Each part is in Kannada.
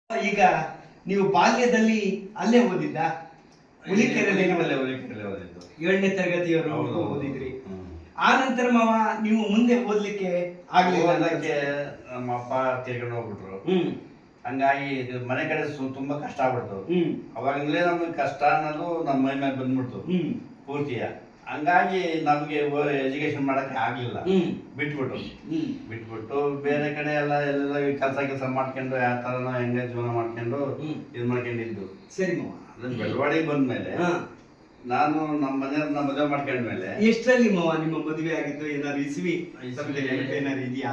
ಈಗ ನೀವು ಬಾಲ್ಯದಲ್ಲಿ ಅಲ್ಲೇ ಓದಿದ್ದ? ಹುಲಿಕೆರೆಯಲ್ಲಿ ಓದಿದ್ದು. 7ನೇ ತರಗತಿಯವರೆಗೂ ಓದಿದ್ರಿ. ಆ ನಂತರ ಮಾವ ನೀವು ಮುಂದೆ ಓದ್ಲಿಕ್ಕೆ ಆಗ್ಲಿಲ್ಲ? ನಮ್ಮ ಅಪ್ಪ ತೀರ್ಕೊಂಡು ಹೋಗ್ಬಿಟ್ರು. ಹಂಗಾಗಿ ಮನೆ ಕಡೆ ತುಂಬಾ ಕಷ್ಟ ಆಗ್ಬಿಡ್ತು. ಅವಾಗಲೇ ನಮ್ಗೆ ಕಷ್ಟ ಅನ್ನೋದು ನಮ್ಮ ಮೈ ಮೇಲೆ ಬಂದ್ಬಿಡ್ತು ಪೂರ್ತಿಯ. ಹಂಗಾಗಿ ನಮ್ಗೆ ಎಜುಕೇಶನ್ ಮಾಡಕ್ಕೆ ಆಗ್ಲಿಲ್ಲ. ಬಿಟ್ಬಿಟ್ಟು ಬೇರೆ ಕಡೆ ಎಲ್ಲ ಕೆಲಸ ಮಾಡ್ಕೊಂಡು ಯಾವ ತರನ ಹೆಂಗೆ ಜೀವನ ಮಾಡ್ಕೊಂಡು ಇದು ಮಾಡ್ಕೊಂಡಿದ್ದು. ಸರಿ ಮಾವ. ಅದನ್ನ ಬೆಳವಣಿಗೆ ಬಂದ್ಮೇಲೆ ನಾನು ನಮ್ಮ ಮನೆಯವ್ರನ್ನ ಮದುವೆ ಮಾಡ್ಕೊಂಡ್ಮೇಲೆ. ಎಷ್ಟರಲ್ಲಿ ಮಾವ ನಿಮ್ಮ ಮದುವೆ ಆಗಿದ್ದು? ಏನಾದ್ರು ಇಸ್ವಿ ಏನಾದ್ರು ಇದೆಯಾ?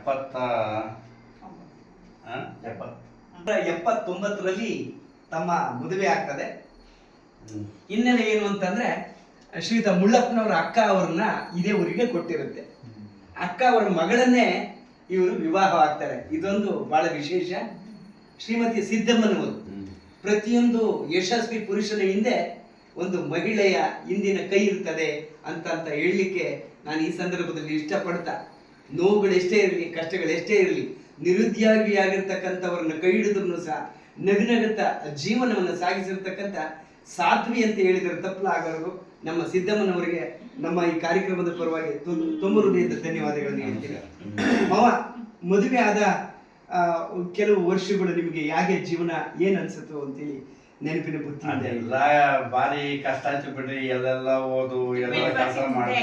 79ರಲ್ಲಿ ತಮ್ಮ ಮದುವೆ ಆಗ್ತದೆ. ಹಿನ್ನೆಲೆ ಏನು ಅಂತಂದ್ರೆ, ಶ್ರೀಯುತ ಮುಳ್ಳಪ್ಪನವರ ಅಕ್ಕ ಅವ್ರನ್ನ ಇದೇ ಊರಿಗೆ ಕೊಟ್ಟಿರುತ್ತೆ. ಅಕ್ಕ ಅವರ ಮಗಳನ್ನೇ ಇವರು ವಿವಾಹ ಆಗ್ತಾರೆ. ಇದೊಂದು ಬಹಳ ವಿಶೇಷ. ಶ್ರೀಮತಿ ಸಿದ್ದಮ್ಮನವರು ಪ್ರತಿಯೊಂದು ಯಶಸ್ವಿ ಪುರುಷನ ಹಿಂದೆ ಒಂದು ಮಹಿಳೆಯ ಹಿಂದಿನ ಕೈ ಇರ್ತದೆ ಅಂತ ಹೇಳಲಿಕ್ಕೆ ನಾನು ಈ ಸಂದರ್ಭದಲ್ಲಿ ಇಷ್ಟಪಡ್ತಾ, ನೋವುಗಳೆಷ್ಟೇ ಇರಲಿ, ಕಷ್ಟಗಳೆಷ್ಟೇ ಇರಲಿ, ನಿರುದ್ಯೋಗಿಯಾಗಿರ್ತಕ್ಕಂಥವ್ರನ್ನ ಕೈ ಹಿಡಿದ್ರು ಸಹ ನಗುನಗುತ್ತಾ ಜೀವನವನ್ನು ಸಾಗಿಸಿರ್ತಕ್ಕಂಥ ಸಾಧ್ವಿ ಅಂತ ಹೇಳಿದರೆ ತಪ್ಪಲಾಗರು. ನಮ್ಮ ಸಿದ್ದಮ್ಮನವರಿಗೆ ನಮ್ಮ ಈ ಕಾರ್ಯಕ್ರಮದ ಪರವಾಗಿ ತುಂಬ ಹೃದಯದ ಧನ್ಯವಾದಗಳನ್ನು ಹೇಳ್ತೀನಿ. ಮಾವ, ಮದುವೆ ಆದ ಕೆಲವು ವರ್ಷಗಳು ನಿಮಗೆ ಹೇಗೆ ಜೀವನ ಏನ್ ಅನ್ಸುತ್ತೋ ಅಂತೇಳಿ ನೆನಪಿನ ಬುತ್ತಿ ಎಲ್ಲ ಬಾರಿ ಕಷ್ಟ ಆಯ್ತು ಬಿಡ್ರಿ. ಎಲ್ಲೆಲ್ಲ ಓದು, ಎಲ್ಲ ಕೆಲಸ ಮಾಡು,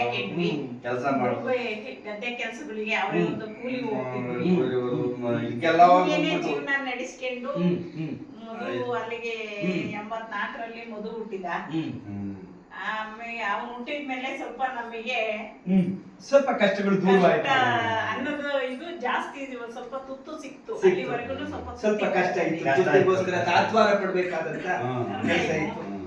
ಗದ್ದೆ ಕೆಲಸಗಳಿಗೆ ಅವರೇ ಒಂದು ಕೂಲಿ ಹೋಗ್ತಿದ್ರು. ಜೀವನ ನಡೆಸ್ಕೊಂಡು ಮಧು ಅಲ್ಲಿಗೆ 84ರಲ್ಲಿ ಮಧು ಹುಟ್ಟಿದ. ಆಮೇಲೆ ಅವನು ಹುಟ್ಟಿದ್ಮೇಲೆ ಸ್ವಲ್ಪ ನಮಗೆ ಸ್ವಲ್ಪ ಕಷ್ಟಗಳು ದೂರವಾಯ್ತು. ಅನ್ನೋದು ಇದು ಜಾಸ್ತಿ, ಸ್ವಲ್ಪ ತುತ್ತು ಸಿಕ್ತು. ಅಲ್ಲಿವರೆಗೂ ಸ್ವಲ್ಪ ಕಷ್ಟ ಇತ್ತು. ತಾತ್ವಾರ ಪಡ್ಬೇಕಾದಂತ ಕೆಲಸ ಇತ್ತು.